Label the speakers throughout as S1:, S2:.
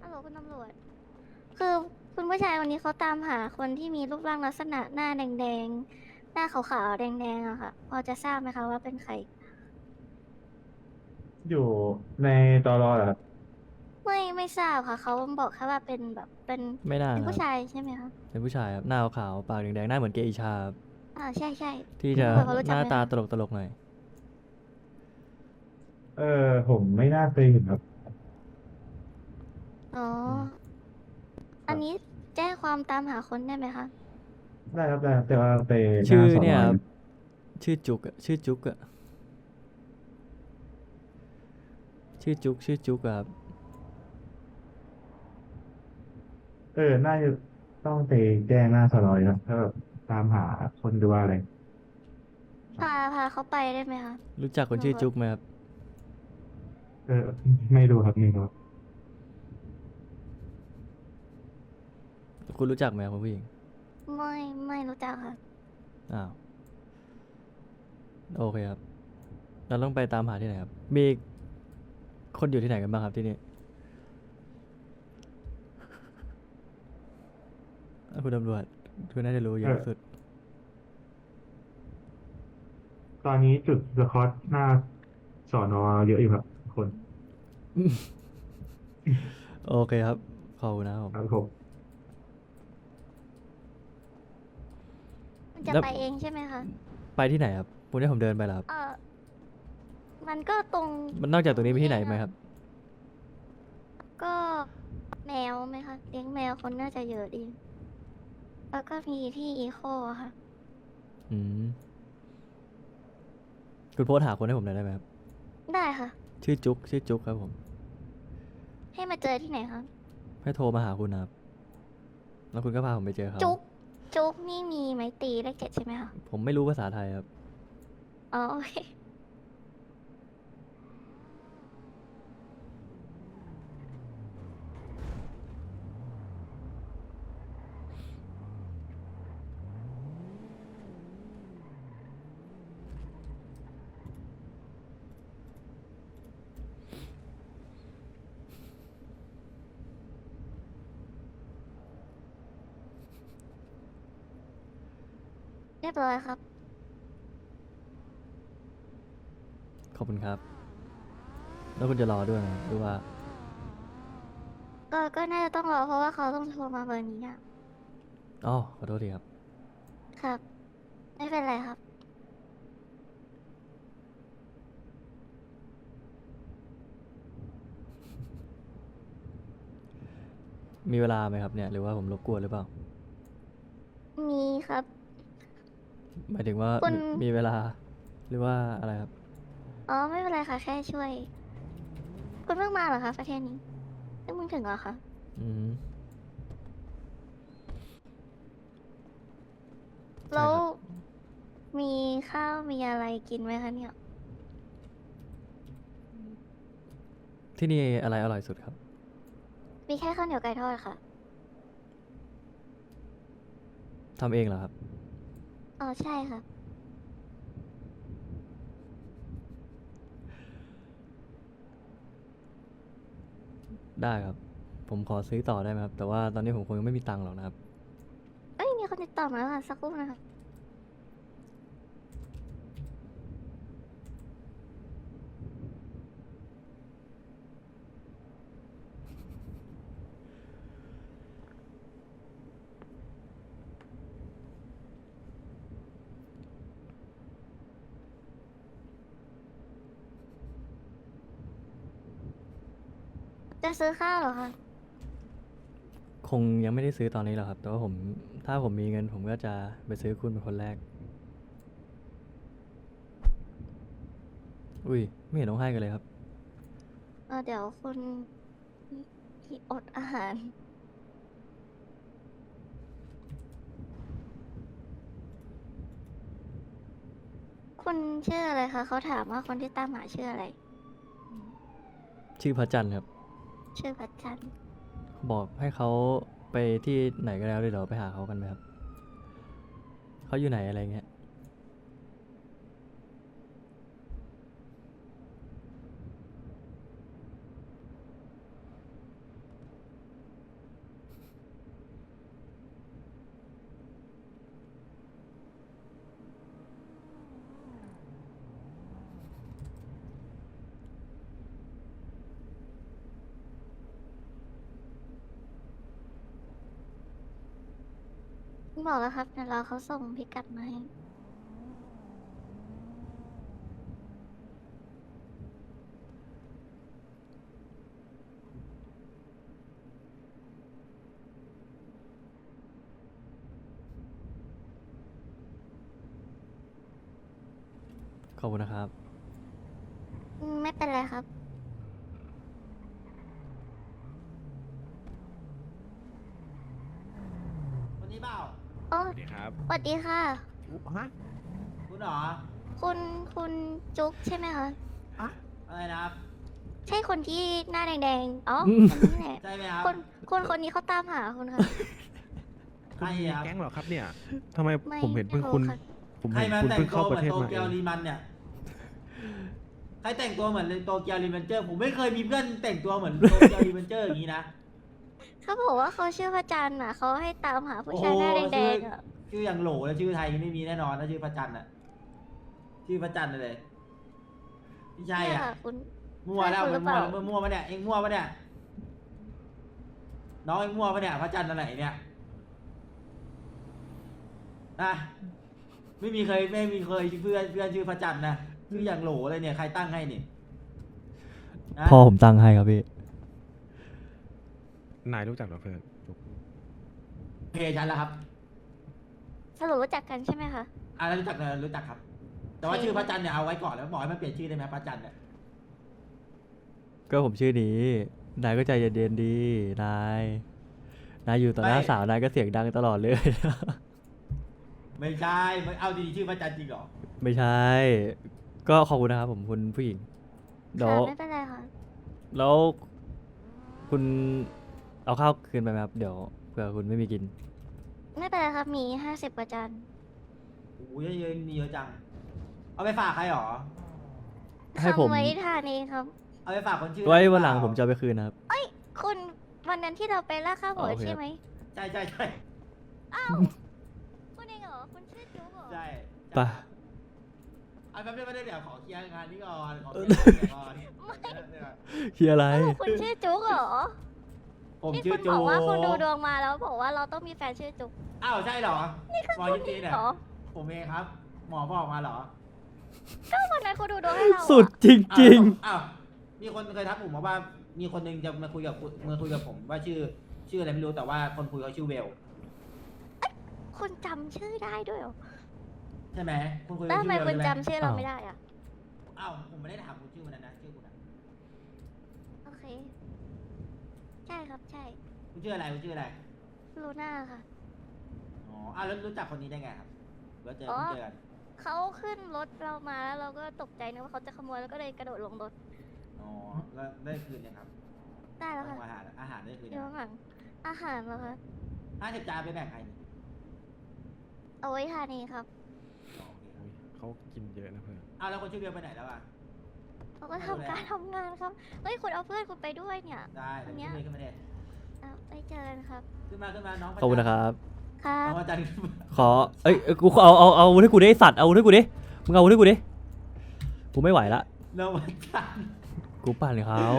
S1: ฮัลโหลคุณตำรวจ คือคุณผู้ชายวันนี้เขาตามหาคนที่มีรูปร่างลักษณะหน้าแดงๆ หน้าขาวๆแดงๆอะค่ะ พอจะทราบไหมคะว่าเป็นใคร
S2: อยู่ในตลอเหรอครับ
S1: ไม่ทราบค่ะ เขาบอกแค่ว่าเป็นแบบ
S3: ไม่น่าครับ
S1: เป็นผู้ชายใช่ไหมคะ
S3: เป็นผู้ชายครับหน้าขาวๆปากแดงๆหน้าเหมือนเกอิชาครับ
S1: ใช่
S3: ที่จะ
S1: คุณตำรวจเขารู้
S3: หน้าตา
S1: จักไหมคะ
S3: ตลกๆหน่อย
S2: เออผมไม่น่าเคยเห็นครับ
S1: อ๋อ
S3: อืม
S1: อันนี้แจ้งความตามหาคนได้ไหมคะ
S2: ได้ครับได้ครับแต่ว่าไปหน้า
S3: ชื่อ
S2: สอนอย
S3: เนี่ยครับชื่อจุกอะชื่อจุกอะชื่อจุกอะครับ
S2: น่าจะต้องไปแจ้งหน้าสอนอยครับถ้าแบบตามหาคนดูว่าอะไร
S1: พาเขาไปได้ไหมคะ
S3: รู้จักคนชื่อ
S1: คุณตำรวจ
S3: จุกไหมครับ
S2: เออไม่รู้ครับไม่รู้ครับ
S3: คุณรู้จักไหมครับคุณผู้หญิง
S1: ไม่ไม่รู้จักค่ะ
S3: อ้าวโอเคครับเราต้องไปตามหาที่ไหนครับมีคนอยู่ที่ไหนกันบ้างครับที่นี่คุณตำรวจคุณน่าจะรู้เยอะสุด
S2: เออตอนนี้จุดสควอตหน้าสอนอเยอะอยู่ครับคน
S3: โอเคครับขอบคุณนะครับผม
S2: ครับผม
S1: มันจะ
S3: แล้ว
S1: ไปเองใช่ไหมคะ
S3: ไปที่ไหนครับคุณให้ผมเดินไปเหรอครับ
S1: เออมันก็ตรง
S3: มันนอกจากตรงนี้มี
S1: นี้เองอะ
S3: ที่ไหนไหมครับ
S1: ก็แมวไหมคะเลี้ยงแมวคนน่าจะเยอะดีแล้วก็มีที่อีโคอะค่ะ
S3: อืมคุณโพสต์หาคนให้ผมหน่อยได้ไหมครับ
S1: ได้ค่ะ
S3: ชื่อจุกครับผม
S1: ให้มาเจอที่ไหนคะ
S3: ให้โทรมาหาคุณนะครับแล้วคุณก็พาผมไปเจอเขา
S1: จุ๊กจุ๊กนี่มีไม้ตีเลข7ใช่ไหมคะ
S3: ผมไม่รู้ภาษาไทยครับ
S1: อ๋อโอเคเรียบร้อยครับ
S3: ขอบคุณครับแล้วคุณจะรอด้วยไหมหรือว่า
S1: ก็น่าจะต้องรอเพราะว่าเขาต้องโทรมาเบอร์นี้อะ
S3: อ๋อขอโทษทีครับ
S1: ครับไม่เป็นไรครับ
S3: มีเวลาไหมครับเนี่ยหรือว่าผมรบกวนหรือเปล่า
S1: มีครับ
S3: หมายถึงว่า
S1: คุณ
S3: มีเวลาหรือว่าอะไรครับ
S1: อ๋อไม่เป็นไรค่ะแค่ช่วยคุณเพิ่งมาเหรอคะประเทศนี้เพิ่งถึงเหรอคะ
S3: อืม
S1: แล้ว
S3: ใช่ครับ
S1: มีข้าวมีอะไรกินไหมคะเนี่ย
S3: ที่นี่อะไรอร่อยสุดครับ
S1: มีแค่ข้าวเหนียวไก่ทอดค่ะ
S3: ทำเองเหรอครับ
S1: อ๋อใช่ค่ะ
S3: ได้ครับผมขอซื้อต่อได้ไหมครับแต่ว่าตอนนี้ผมคงยังไม่มีตังค์หรอกนะครับ
S1: เอ้ยมีคนติดต่อมาแล้วค่ะสักครู่นะคะจะซื้อข้าวเหรอคะ
S3: คงยังไม่ได้ซื้อตอนนี้หรอกครับแต่ว่าผมถ้าผมมีเงินผมก็จะไปซื้อคุณเป็นคนแรกอุ้ยไม่เห็นต้องให้กันเลยครับ
S1: เดี๋ยวคุณที่อดอาหารคุณชื่ออะไรคะเขาถามว่าคนที่ตามหาชื่ออะไร
S3: ชื่อพระจันทร์ครับ
S1: ชื่อพัชจันทร์
S3: บอกให้เขาไปที่ไหนก็แล้วเดี๋ยวเราไปหาเขากันไหมครับเขาอยู่ไหนอะไรเงี้ย
S1: บอกแล้วครับเดี๋ยวเราเขาส่งพิกัดมาให้
S3: ขอบคุณนะครับ
S1: ไม่เป็นไรครับ
S4: คนนี้เปล่า
S1: โอ้
S5: สวัสดีครับ
S1: สวัสดีค่ะ
S5: ฮะ
S4: คุณเหรอ
S1: คุณจุ๊กใช่ไหมคะ
S4: อะไรนะครับ
S1: ใช่คนที่หน้าแดงๆ อ๋อ
S3: อืม
S1: คนนี้แหละ
S4: ใช่ไหมครับ
S1: คนนี้เขาตามหาคุณค่ะ
S4: ใคร
S5: มี
S4: ครับ
S5: แก๊งเหรอครับเนี่ยทำไม
S1: ไม่
S5: ผมเห็นเพิ่งคุณ
S1: ไม่รู้ค่ะ
S5: ผม
S4: ใคร
S5: เห็น
S4: มา
S5: คุณ
S4: แต่ง
S5: เพิ่ง
S4: ตัว
S5: เข้า
S4: เห
S5: ป
S4: มือ
S5: ระเทศ
S4: นโต
S5: มา
S4: เกียว
S5: เอง
S4: รีมันเนี่ย ใครแต่งตัวเหมือนโตเกียวรีมันเจอร์ผมไม่เคยมีเพื่อนแต่งตัวเหมือนโตเกียวรีมันเจอร์อย่างนี้นะ
S1: เขาบอกว่าเขาชื่อพระจันทร์อ่ะเขาให้ตามหาผู้ชายหน้าแดงๆอ่ะ
S4: ชื่ออย่างโหลแล้วชื่อไทยไม่มีแน่นอนถ้าชื่อพระจันทร์อ่ะ ชื่อพระจันทร์เลยไม่ใช่
S1: เนี่ย
S4: อ่ะ
S1: ค่ะคุณ
S4: มั่วแล้ว
S1: ใช่คุณหรือเป
S4: มั่ว
S1: ล่า
S4: แล้วมั่วปะเนี่ยเอ็งมั่วปะเนี่ยน้องเอ็งมั่วปะเนี่ยพระจันทร์อะไรเนี่ยนะไม่มีเคยเพื่อนชื่อพระจันทร์นะชื่ออย่างโหลเลยเนี่ยใครตั้งให้นี่นะ
S3: พ่อผมตั้งให้ครับพี่
S5: นายรู้จักเหรอเพื่อน
S4: โอเคฉันแล้วครับ
S1: สรุปรู้จักกันใช่ไหมคะ
S4: แล้วรู้จักครับ แต่ว่า
S1: โอเค
S4: ชื่อพระจันทร์เนี่ยเอาไว้ก่อนแล้วบอกให้มันเปลี่ยนชื่อได้ไหมพระจันทร์เนี่ย
S3: ก็ผมชื่อนี้ นายก็ใจเย็นๆดีนายอยู่ต่อหน้าสาวนายก็เสียงดังตลอดเลย
S4: ไม่ใช่ไม่เอาดีๆชื่อพระจันทร์จริงเหรอ
S3: ไม่ใช่ ก็ขอบคุณนะครับผมคุณผู้หญิงเดี๋ยว
S1: ค่ะไม่เป็นไรค่ะ
S3: แล้วคุณเอาข้าวคืนไปไหมครับ เดี๋ยวเผื่อคุณไม่มีกิน
S1: ไม่เป็นไรครับมี50 กว่าจาน
S4: โอ้ยเยอะมีเยอะจัง เอาไปฝากใครหรอ
S3: ให้ผม
S1: ทำไว้ทานเองครับ
S4: เอาไปฝากคนชื่อ
S3: ไว้
S4: อะร
S3: วันหลัง
S4: เปา
S3: ผมจะเอาไปคืนนะครับ
S1: คุณวันนั้นที่เราไปล่าข้าวหมู
S3: อ๋อโอเค
S1: ใช่ไหม
S4: ใช่
S1: อ้าวคุณเองเหรอคุณชื่อจุ๊กเหรอ
S4: ใช่
S3: ไป
S4: เอาแป๊บเดียวเดี๋ยวขอเคลียร์งานนี้ก่อนขอเคลียร์ก่อน
S3: เฮียอะไร
S1: อ้าวคุณชื่อจุ๊กเหรอ
S4: ผม
S1: ที่
S4: ชื่
S1: คุ
S4: อ
S1: ณ
S4: จู
S1: บอกว่าคุณดูดวงมาแล้วบอกว่าเราต้องมีแฟนชื่อจุ๊ก
S4: อ้าวใช่เหรอหมอยิปซีเนี่ย
S1: เหรอ
S4: ผมเองครับ หมอบอกมาเหรอ
S1: ก็วันนั้นคุณดูดวงให้เราอะ
S3: สุดจริง
S4: อ้าวมีคนเคยทักผมมาว่า มีคนหนึงจะมาคุยกับผมว่าชื่ออะไรไม่รู้แต่ว่าคนคุยเขาชื่อเวล
S1: คุณจำชื่อได้ด้วยเหรอ
S4: ใช่ไหมคุณคุย
S1: แล้ว
S4: กับ
S1: ทำไม
S4: ชื่อเวล
S1: คุณ
S4: ใช่ไหม
S1: จำชื่อเราไม่ได้อะ
S4: อ้าวผมไม่ได้ถามคุณชื่อวันนั้นนะชื่อคุณนะ
S1: โอเค ใช่ครับใช่
S4: คุณชื่ออะไรคุณชื่ออะไร
S1: ลูน่าค่ะ
S4: อ๋ออ้าวแล้วรู้จักคนนี้ได้ไงครับหรือว่าเจอ
S1: อ๋อ
S4: เจอกัน
S1: เขาขึ้นรถเรามาแล้วเราก็ตกใจนึกว่าเขาจะขโมยแล้วก็เลยกระโดดลงรถ
S4: อ๋อแล้วได้คืนยังครับ
S1: ได้แล้วค่ะ
S4: อาหารได้คืน
S1: เดี๋
S4: ยั
S1: ยว
S4: ง
S1: หลังอาหารเหรอคะ
S4: 50 จานไปแบ่งใคร
S1: เอาไว้ทานเองครับ
S4: อ๋อโอเคครับ
S5: อุ๊ยเขากินเยอะนะเพื่อน
S4: อ้าวแล้วคนชื่อเบลไปไหนแล้วอ่ะ
S1: เขาก็ทำการทำงานครับ เฮ้ยคุณเอาเพื่อนคุณไปด้วยเนี่ย
S4: ได้แล้วชื่อเบลขึ้นมาเด็
S1: เอาไปเจอกันครับ
S4: ขึ้นมาน้อง
S3: ๆ ขอบคุณนะครับ
S1: ครั
S4: น้
S1: บ
S4: องอาจารย์ขึ้นมา
S3: ขอ เอ้ย กูเอาอาวุธให้กูดิไอ้สัตว์ เอาอาวุธให้กูดิ มึงเอาอาวุธให้กูดิ กูไม่ไหวละ
S4: น้องอาจารย์
S3: กูปั่นเขา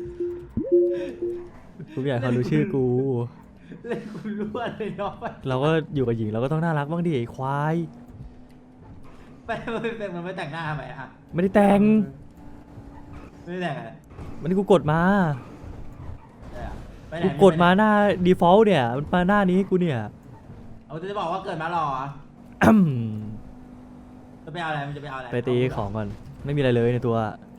S3: กูไม่อยากให้เขารู้ชื่อกู
S4: เล่นคุณรั่วเลยน้องไป
S3: เราก็อยู่กับหญิงเราก็ต้องน่ารักบ้างดิไอ้ควาย
S4: มันไม่แต่งหน้าทำไมอ่ะ
S3: ไม่ได้แต่ง
S4: ไม่ได้แต่งอะไร
S3: วันนี้กูกดมา
S4: ใช่อะไปไหน
S3: กูกดมาหน้า default เนี่ย มันมาหน้านี้ให้กูเนี่ย
S4: เอาจะบอกว่าเกิดมาหรอ
S3: อืม
S4: จะไปเอาอะไรมันจะไปเอาอะไร
S3: ไปตีของก่อน ไม่มีอะไรเลยในตัว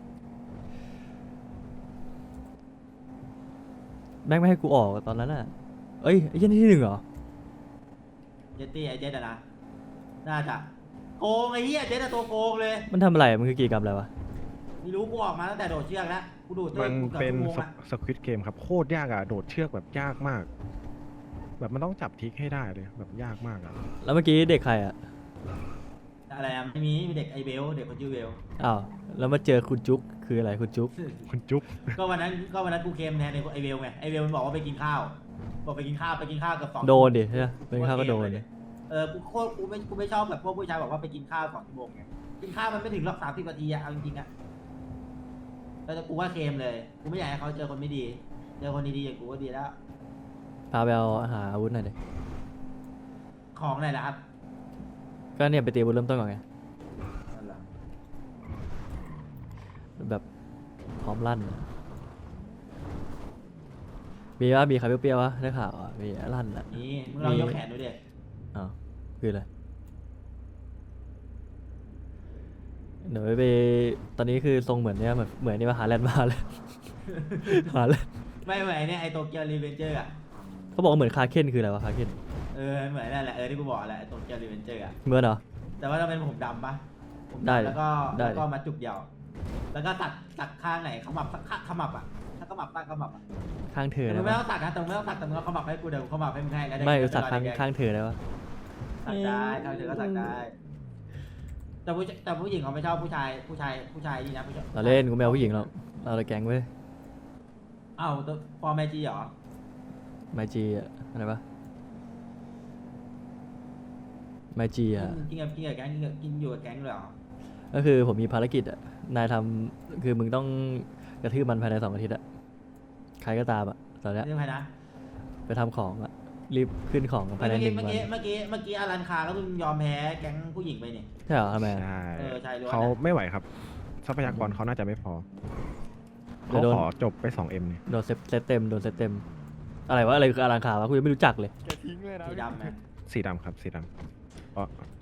S3: แม่งไม่ให้กูออกตอนนั้นน่ะ เอ้ยไอ้เหี้ยันที่หนึ่งเหรอ
S4: เจตตี้ไอเจตอะนะน่าจะโกงไอ้เหี้ยเจตอะตัวโกงเลย
S3: มันทำอะไร มันคือกิจกรรมอะไรวะ
S4: ไม่รู้กูออกมาตั้งแต่โดดเชือกแล้วกูดูด
S5: มัน
S4: กูกือบ
S5: เป็น
S4: ชั่วโมงอะ
S5: สควิตเกมครับโคตรยากอ่ะโดดเชือกแบบยากมาก แบบมันต้องจับทิกให้ได้เลยแบบยากมากอ่ะ
S3: แล้วเมื่อกี้เด็กใครอ่ะ
S4: อะไรอะไม่มีเด็กไอเบลเด็กคนชื่อเบล
S3: อ้าว แล้วมาเจอคุณจุ๊กคืออะไรคุณจุ๊ก
S5: คุณจุ๊บ
S4: ก็วันนั้นกูเค็มแทนไอเบลไงไอเบลมันบอกว่าไปกินข้าวบอกไปกินข้าวกับ2
S3: โดนดิใช่ไหมเป็นข้าวก็โดนดิ
S4: กูไม่ชอบแบบพวกผู้ชายบอกว่าไปกินข้าว2 ชั่วโมงไงกินข้าวมันไม่ถึงหรอก30 นาทีอะเอาจริงๆอะแต่กูว่าเค็มเลยกูไม่อยากให้เขาเจอคนไม่ดีเจอคนดีๆอย่างกูก็ดีแล้ว
S3: พาไปเอาหาอาวุธหน่อยดิ
S4: ของอะไรนะครับ
S3: ก็เนี่ยไปตีบนเริ่มต้นก่อนไง
S4: นั่นแหละ
S3: แบบพร้อมลั่นอะมีวะมีใครเปรี้ยวๆวะได้ข่าวอ่ะมีลั่นอ่ะ
S4: นี่มึงลองยกแขนดูดิ
S3: อ้าวคืออะไรเดี๋ยวไปตอนนี้คือทรงเหมือนเนี่ยเหมือนนี่มาหาแลนด์มาเลย หาแลนด์
S4: ไม่เหมือนเนี่ยไอโตเกียวรีเวนเจอร์อ่ะ
S3: เขาบอกว่าเหมือนคาเคนคืออะไรวะคาเคน
S4: เหมือนนั่นแหละที่กูบอกแหละไอโตเกียวรีเวนเจอร์อ่ะ
S3: เหมือนเหรอ
S4: แต่ว่าต้องเป็นผมดำปะผม
S3: ได้
S4: ดำ
S3: เลย
S4: แล้วก็
S3: ได้
S4: แล้วก็มาจุกเดียว แล้วก็ตัดข้างไหนขมับขมับอ่ะถ้าขมับตั้งขมับอ่ะ
S3: ข้างเธอ
S4: มึ
S3: ได้
S4: งไม่
S3: ปะ
S4: ต้องตัดนะแต่มึงไม่ต้องตัดแต่มึงเอาขมับให้กูเดี๋ยวกูขมับให้มึงให้แล้ว
S3: ไม่
S4: เดี๋ยว
S3: สัก
S4: จะรอ
S3: ข้าง
S4: แดงๆ
S3: ข้างเธอได้ปะ
S4: สักได้ข้างเธอก็สักได้ แต่ผู้หญิงเขาไม่ชอบผู้ชายนี่นะผู้ชาย
S3: เราเล่นกูไม่เอาผู้หญิงหรอกเราเลยแก๊งเว้ย
S4: เอ้าตัวฟอร์แมจีเหรอ
S3: ไมจีอะอะไรปะไมจีอะ
S4: กินกับแก๊งกินอยู่กับแก๊งเลยเหรอ
S3: ก็คือผมมีภารกิจอะนายทำคือมึงต้องกระทืบมันภายใน2 อาทิตย์อะใครก็ตามอะตอนเนี้ย
S4: เรื่องใครนะ
S3: ไปทำของอะรีบขึ้นของภายใน1 วัน
S4: เมื่อกี้อารันคาแล้วมึงยอมแพ้แก๊งผู้หญิงไปนี่
S3: ใช่เหรอทำไมอะ
S5: ใช่
S4: ใช่ด้วย
S5: เขาไม่ไหวครับ ทรัพยากรเขาน่าจะไม่พอ
S3: เดี๋ย
S5: เขา
S3: วโดน
S5: ขอจบไป 2M เนี่ย
S3: โดนเซตเต็มโดนเซตเต็มอะไรวะอะไรคืออลังคาวะกูยังไม่รู้จักเลย
S4: สีดำไหม
S5: สีดำครับสีดำเพราะ